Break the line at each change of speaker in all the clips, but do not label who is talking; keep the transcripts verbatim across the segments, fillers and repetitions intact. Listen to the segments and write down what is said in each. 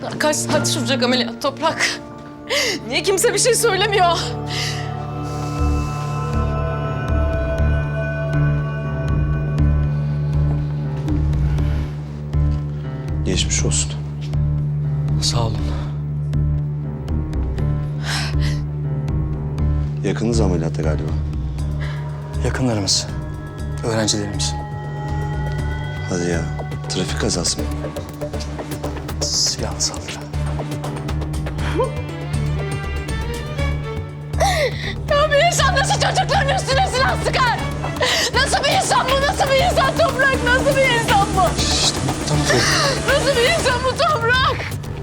Kaç saat sürecek ameliyat Toprak? Niye kimse bir şey söylemiyor?
Geçmiş olsun.
Sağ olun.
Yakınız ameliyatta galiba.
Yakınlarımız, öğrencilerimiz.
Hadi ya. Trafik kazası mı?
Silahlı saldırı.
Ya bir insan nasıl çocukların üstüne silah sıkar? Nasıl bir insan bu? Nasıl bir insan Toprak? Nasıl bir insan bu?
İşte tamam Feride.
Nasıl bir insan bu Toprak?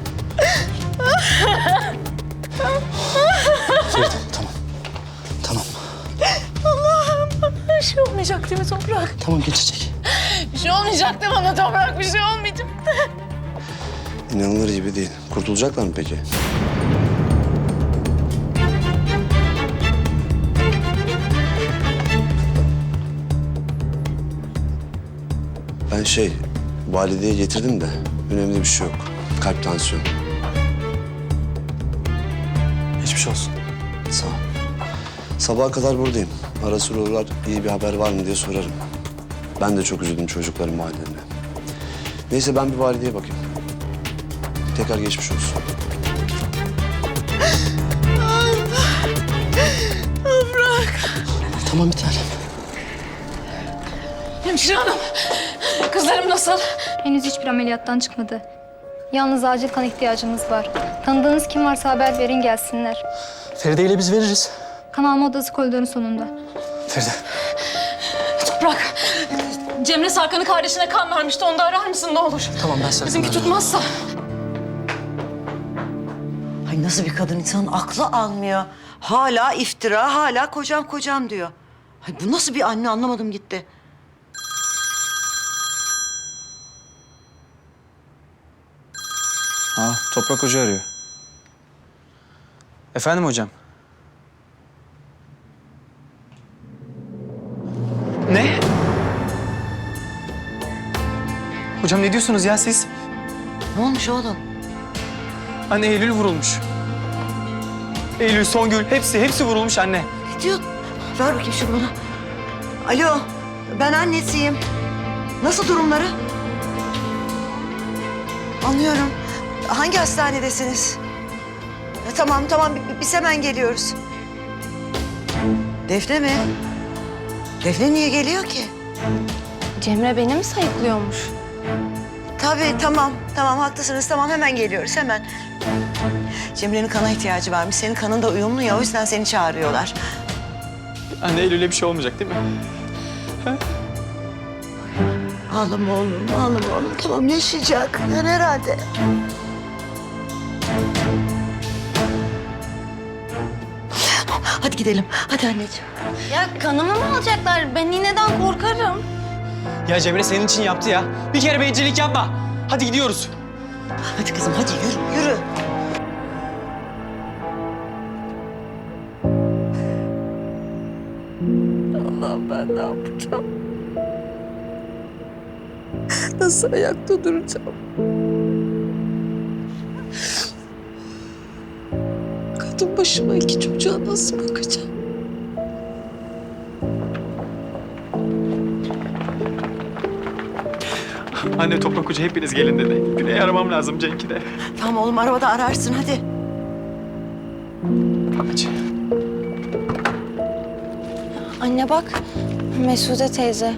Feride tamam. Tamam.
Allah'ım bir şey olmayacak değil mi Toprak?
Tamam geçecek.
Bir şey olmayacak değil mi bana Toprak? Bir şey olmayacak.
İnanılır gibi değil. Kurtulacaklar mı peki? Ben şey, valideye getirdim de önemli bir şey yok. Kalp tansiyonu.
Geçmiş olsun.
Sağ ol. Sabaha kadar buradayım. Ara sıra uğrar, iyi bir haber var mı diye sorarım. Ben de çok üzüldüm çocukların hallerine. Neyse ben bir valideye bakayım. Tekrar geçmiş olsun.
Toprak.
Tamam bir tanem.
Hemşire hanım. Kızlarım nasıl?
Henüz hiçbir ameliyattan çıkmadı. Yalnız acil kan ihtiyacımız var. Tanıdığınız kim varsa haber verin gelsinler.
Feride ile biz veririz.
Kan alma odası koridorun sonunda.
Feride.
Toprak. Cemre Sarkan'ın kardeşine kan vermişti. Onu da arar mısın ne olur?
Tamam ben sana.
Bizimki tutmazsa.
Ay nasıl bir kadın, insanın aklı almıyor. Hala iftira, hala kocam kocam diyor. Ay bu nasıl bir anne, anlamadım gitti.
Ha, Toprak Hoca arıyor. Efendim hocam? Ne? Hocam ne diyorsunuz ya siz?
Ne olmuş oğlum?
Anne Eylül vurulmuş. Eylül, Songül hepsi, hepsi vurulmuş anne.
Ne diyor? Ver bakayım şunu bana. Alo, ben annesiyim. Nasıl durumları? Anlıyorum. Hangi hastanedesiniz? Ya, tamam tamam, bi- biz hemen geliyoruz. Defne mi? Defne niye geliyor ki?
Cemre beni mi sayıklıyormuş?
Tabii tamam, tamam haklısınız. Tamam hemen geliyoruz hemen. Cemre'nin kana ihtiyacı varmış. Senin kanın da uyumlu ya, o yüzden seni çağırıyorlar.
Anne Eylül'e bir şey olmayacak değil mi?
Ağlama oğlum, ağlama oğlum. Tamam yaşayacak. Yani herhalde. Hadi gidelim. Hadi anneciğim.
Ya kanımı mı alacaklar? Ben iğneden korkarım.
Ya Cemre senin için yaptı ya. Bir kere bencillik yapma. Hadi gidiyoruz.
Hadi kızım hadi yürü, yürü.
Allah'ım ben ne yapacağım? Nasıl ayakta duracağım? Kadın başıma iki çocuğa nasıl bakacağım?
Anne Toprak Hoca hepiniz gelin dedi. Güney'i aramam lazım, Cenk'i de.
Tamam oğlum, arabada ararsın hadi.
Hadi.
Anne bak, Mesude teyze.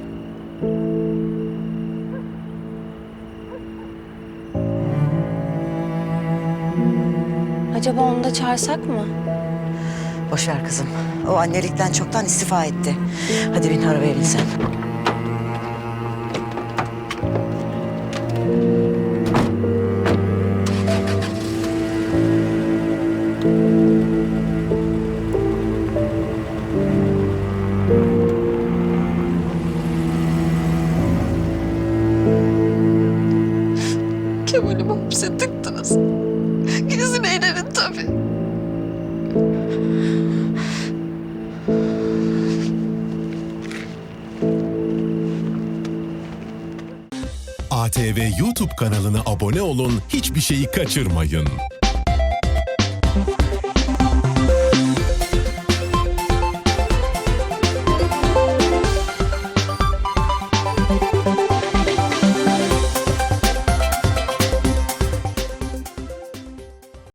Acaba onu da çağırsak mı?
Boş ver kızım. O annelikten çoktan istifa etti. Hadi bin arabaya bin sen.
Kemal'imi hapse tıktınız. Gidin eğlenin tabii.
A T T V YouTube kanalına abone olun, hiçbir şeyi kaçırmayın.